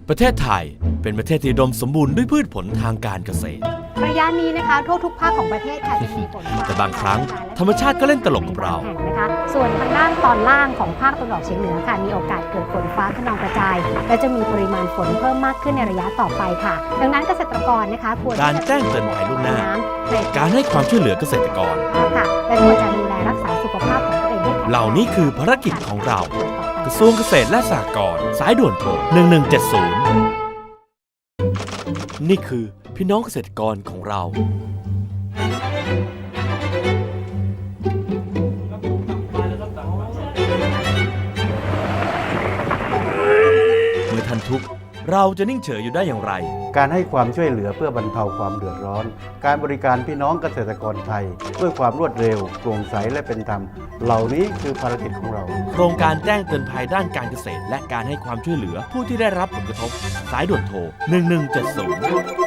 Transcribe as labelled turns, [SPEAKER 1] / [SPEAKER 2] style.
[SPEAKER 1] ประเทศไทยเป็นประเทศที่อุดมสมบูรณ์ด้วยพืชผลทางการเกษตร
[SPEAKER 2] ระยะนี้นะคะทั่วทุกภาคของประเทศค่ะจะมีฝนฟ้
[SPEAKER 1] แต่บางครั้งธรรมชาติก็เล่นตลกกับเรา
[SPEAKER 2] แห่งนะคะส่วนทางด้านตอนล่างของภาคตะวันออกเฉียงเหนือค่ะมีโอกาสเกิดฝนฟ้าคะนองกระจาย และจะมีปริมาณฝนเพิ่มมากขึ้นในระยะต่อไปค่ะ ดังนั้นเกษตรกรนะคะควร
[SPEAKER 1] การแจ้งเตือนภัยล่วงหน้า
[SPEAKER 2] ใน
[SPEAKER 1] การให้ความช่วยเหลือเกษตรกร
[SPEAKER 2] ค่ะและควรจะดูแลรักษาสุขภาพของตัวเองให้แข็งแรง
[SPEAKER 1] เหล่านี้คือภารกิจของเรา กระทรวงเกษตรและสหกรณ์สายด่วนโทร1170นี่คือพี่น้องเกษตรกรของเราเมื่อท่านทุกข์เราจะนิ่งเฉยอยู่ได้อย่างไร
[SPEAKER 3] การให้ความช่วยเหลือเพื่อบรรเทาความเดือดร้อน การบริการพี่น้องเกษตรกรไทยด้วยความรวดเร็วโปร่งใสและเป็นธรรม เหล่านี้คือภารกิจของเรา
[SPEAKER 1] โครงการแจ้งเตือนภัยด้านการเกษตรและการให้ความช่วยเหลือผู้ที่ได้รับผลกระทบสายด่วนโทร1170